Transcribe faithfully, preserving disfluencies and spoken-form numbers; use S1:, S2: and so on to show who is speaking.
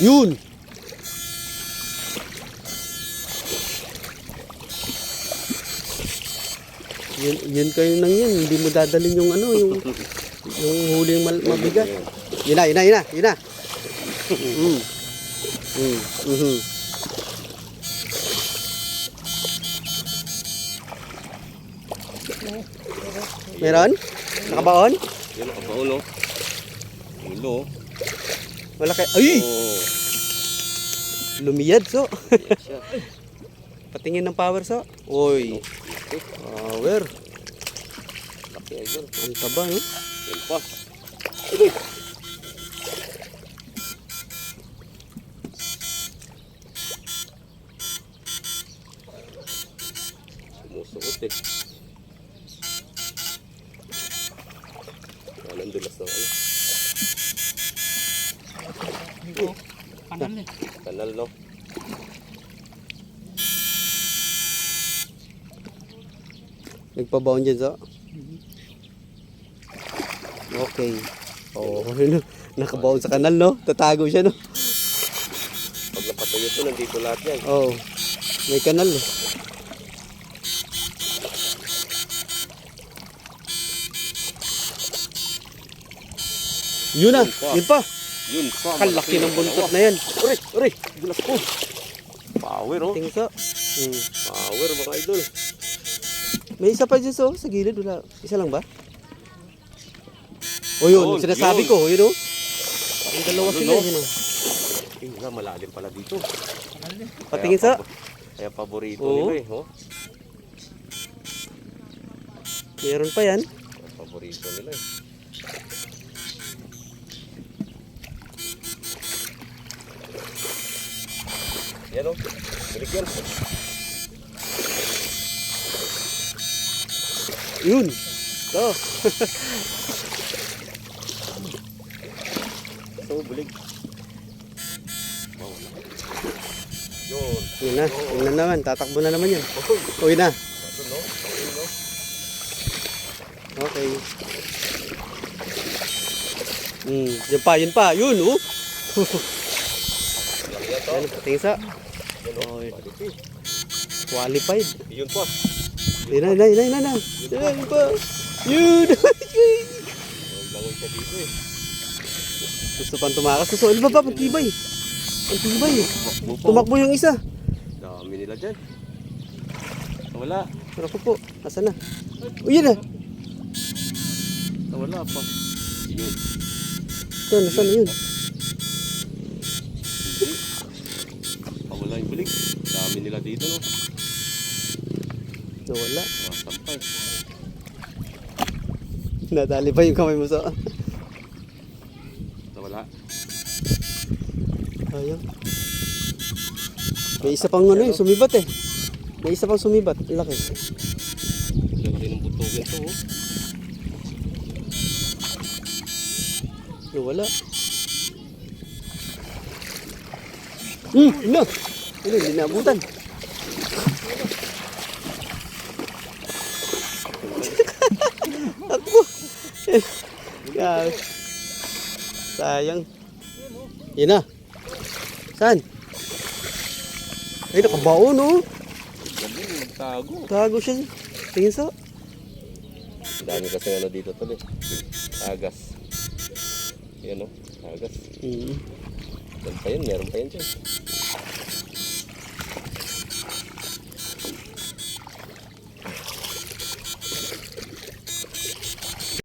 S1: Yun! Yun, yun kayo nang yun. Hindi mo dadalhin yung ano, yung, yung huling mal mabigat. Yun na, yun na, yun na, yun na. Mm. Mm. Mm-hmm. Meron? Nakabaon?
S2: Yan, nakabaon, no? Ulo.
S1: Wala kayo. Ay!
S2: Oh.
S1: Lumiyad, so.
S2: Yan siya.
S1: Patingin ng power, so. Oy. Power.
S2: Laki, idol.
S1: Ang taba, no?
S2: Yan pa. Sumusuot, eh. Yan, ang dulas ng ano.
S3: Dito, kanal eh.
S2: Kanal, no?
S1: Nagpabaon dyan, so. Okay. Oh, nakabaon sa kanal, no? Tatago siya, no?
S2: Pag napatayo ito, nandito lahat yan.
S1: Oh, may kanal, eh. Yun na,
S2: Yun pa.
S1: yun pa.
S2: Yun pa.
S1: Kalaki ng buntot na yan.
S2: Uri, uri. Dulas ko. Power, oh.
S1: Tingso. Hmm.
S2: Power, mga idol.
S1: May isa pa dyan, so. Sa gilid, wala. Isa lang ba? O yun,
S2: Yun,
S1: sinasabi
S2: yun.
S1: ko, yun o. Ang dalawa
S2: Ano,
S1: sila,
S2: no?
S1: yun o.
S2: Eh, nga, malalim pala dito.
S1: Patingin
S2: Kaya
S1: sa.
S2: pabo- Kaya paborito
S1: Oo.
S2: nila, eh. Oh.
S1: Meron pa yan.
S2: Kaya paborito nila, eh. Yan, oh. Balik yan.
S1: Yun. So.
S2: So, bulig. Wow. Yun.
S1: Yun na. Yun na naman. Tatakbo na naman yan.
S2: Oh,
S1: Uy na.
S2: ano, no? Okay, no?
S1: Okay. Hmm. Yun pa, yun pa. Yun, oh.
S2: Lang yan, to.
S1: Yan, patingin sa.
S2: Yan, oh.
S1: Oy.
S2: Balik, eh.
S1: Qualified.
S2: Yun pa.
S1: Yun na, yun na, yun na, yun na. Yun na, yun pa. Yun.
S2: Langoy siya dito, eh.
S1: Gusto pang tumakas. So, ano ba ba? Pagtibay. Ang tibay.
S2: Tumakbo pa.
S1: Tumakbo yung isa.
S2: Dami nila dyan. Wala.
S1: Pero po, asa na? Uy, yun na.
S2: Wala pa. Yun.
S1: Ito, nasa na yun?
S2: Hindi. Pawala yung bulig. Dami nila dito, no?
S1: Nawala.
S2: Masampay.
S1: Nadali pa yung kamay mo sa...
S2: Nawala.
S1: Ayun. May isa pang ano eh, sumibat eh. May isa pang sumibat. Laki.
S2: Laki ng butogin to, oh.
S1: Nawala. Hmm, yun na. Yun, hindi naabutan. Ako. Grabe. Sayang. Yun na. Saan? Ay, nakabaon oh.
S2: Gabi, magtago.
S1: Tago siya. Tingin sa.
S2: Ang dami kasi ano dito to, eh. Agas. Yan, oh. Agas.
S1: Hmm.
S2: Yan pa yun, meron pa yun dyan.